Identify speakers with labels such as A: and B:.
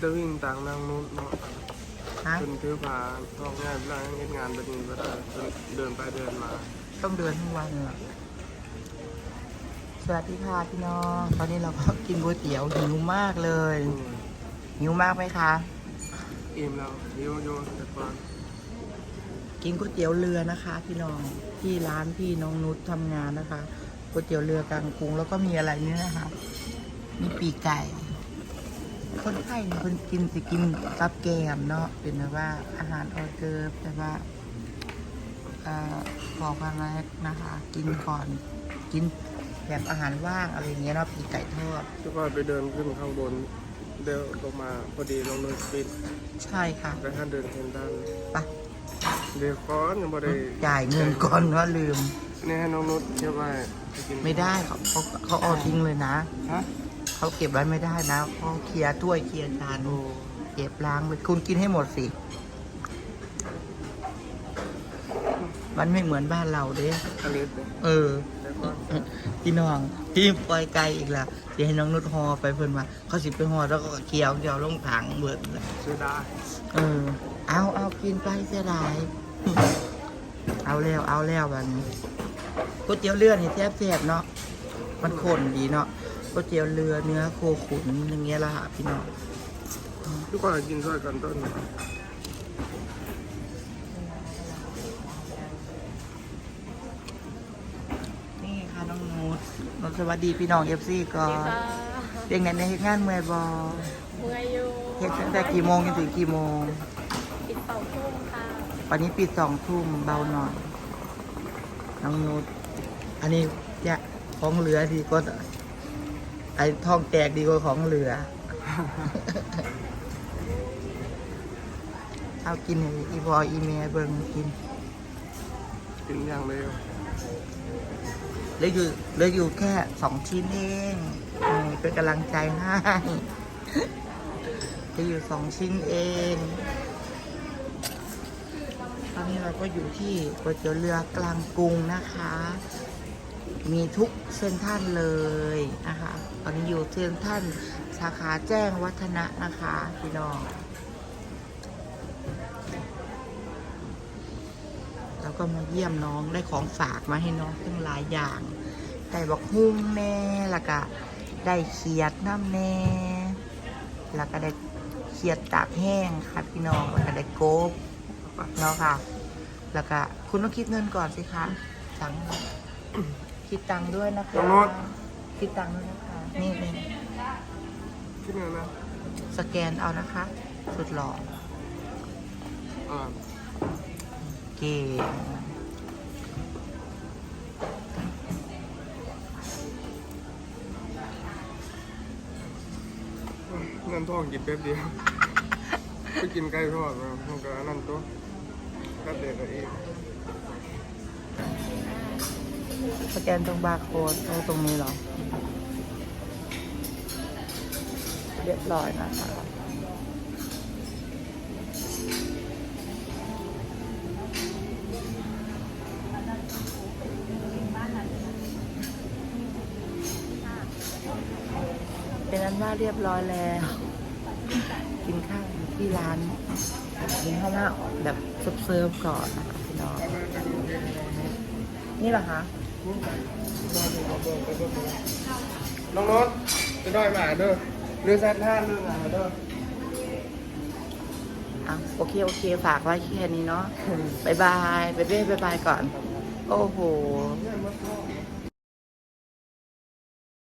A: ตะวิ่งต่างนางนู้นเนาะ
B: ฮะ
A: จนถือผาท้องงานร่างเฮ็ดงานแบบนี้ก็ได้เดินไปเดินมา
B: ต้องเดินทั้งวันเลยสวัสดีค่ะพี่น้องตอนนี้เราก็กินก๋วยเตี๋ยวหิวมากเลยหิวมากไหมคะ
A: อิ่มแล้วโยแต่ก่อน
B: กินก๋วยเตี๋ยวเรือนะคะ พี่น้องที่ร้านพี่น้องนุชทำงานนะคะก๋วยเตี๋ยวเรือกลางกรุงแล้วก็มีอะไรนี่นะคะมีปีกไก่คนไทยเนี่ยคนกินสิกินกับแกมเนาะเป็นแบบว่าอาหารออเดอร์แต่ว่าบอกว่าอะไรนะคะ กินก่อนกินแบบอาหารว่างอะไรอย่างเงี้ยเนาะปีกไก่ทอด
A: แล้วก็ไปเดินขึ้นข้างบนเดินลงมาพอดีลงเนินปิด
B: ใช่ค่ะ
A: ไปห้าเดินเห็นด้าน
B: ไป
A: เดี๋ยวก้อนยังบ่ได้
B: จ่ายเงินก่อนว่าลืม
A: นี่ให้น้องนุชเชื่อว่าไปกิน
B: ไม่ได้เขาเอาทิ้งเลยนะ
A: ฮะ
B: เขาเก็บไว้ไม่ได้นะเขาเคลียร์ถ้วยเคลียร์จาน
A: โอ้
B: เก็บล้างไปคุณกินให้หมดสิ มันไม่เหมือนบ้านเราเด้
A: อลิสเนี่ย
B: เออ
A: เดี๋ยวก่อน
B: พี่น้องพี่ปล่อยไกลอีกละเดี๋ยวให้น้องนุชฮอไปเพิ่นมาเขาสิไปฮอแล้วก็เคี่ยวเดี๋ยวลงถังเบิดเลย
A: เสียดาย
B: เออ เอากินไปเสียดาย เอาแล้ววันนี้ก๋วยเตี๋ยวเรือนี่แซ่บๆเนาะมันข้นดีเนาะก๋วยเตี๋ยวเรือเนื้อโคขุนอย่างเงี้ยละค่ะพี่น้อง
A: ทุกคนกินช่วยกันต้น
B: นี่ค่ะน้องนุชสวัสดีพี่น้องเอฟซีก่อนเด็กไหนในเฮ็ดงานเมื่อยบอ
C: เมื่อยอยู่
B: เฮ็ดตั้งแต่กี่โมงจนถึงกี่โมง
C: ปิด2 ทุ่มค่ะ
B: วันนี้ปิด2 ทุ่มเบาหน่อยน้องนุชอันนี้เนี่ยของเหลือดีก็ไอ้ทองแตกดีกว่าของเหลือ เอากินให้อีพออีเมลเบิ่งกิน
A: กินอย่างเร็ว
B: เหลืออยู่แค่2 ชิ้นเองนี่เป็นกำลังใจให้เหลืออยู่2 ชิ้นเองตอนนี้เราก็อยู่ที่ก๋วยเตี๋ยวเรือกลางกรุงนะคะ มีทุกเส้นท่านเลยนะคะ ตอนนี้อยู่เส้นท่านสาขาแจ้งวัฒนะนะคะพี่น้องแล้วก็มาเยี่ยมน้องได้ของฝากมาให้น้องตั้งหลายอย่างได้บักฮุ้งแน่แล้วก็ได้เขียดน้ำแน่แล้วก็ได้เขียดตากแห้งค่ะพี่น้องแล้วก็ได้โก๊บเนาะค่ะ แล้วก็คุณต้องคิดเงินก่อนสิคะสั่งคิดตังค์ด้วยนะคะคิดตังค์ด้วยนะคะนี่
A: คิดเงินนะ
B: สแกนเอานะคะ สุดหล่อ
A: อ่า
B: เก่ง
A: นั่นท้องกินแป๊บเดียว ไปกินไก่ทอดมามันก็นั่นตัวแป๊บเดียวก็อีก
B: สแกนตรงบาร์โค้ดตรงนี้เหรอ เรียบร้อยนะคะเป็นนั้นว่าเรียบร้อยแล้ว กินข้าวที่ร้านกินข้าวหน้าแบบเซิร์ฟๆก่อนนะคะพี่น้องนี่เหรอคะ
A: น้องโน้ตจะได้มาเด้อเรือแซดท่าเรื่องอะไรเด้อ
B: อ่ะโอเค ฝากไว้แค่นี้เนาะ บ๊ายบายก่อน โอ้โห
A: เนี่ยมันก็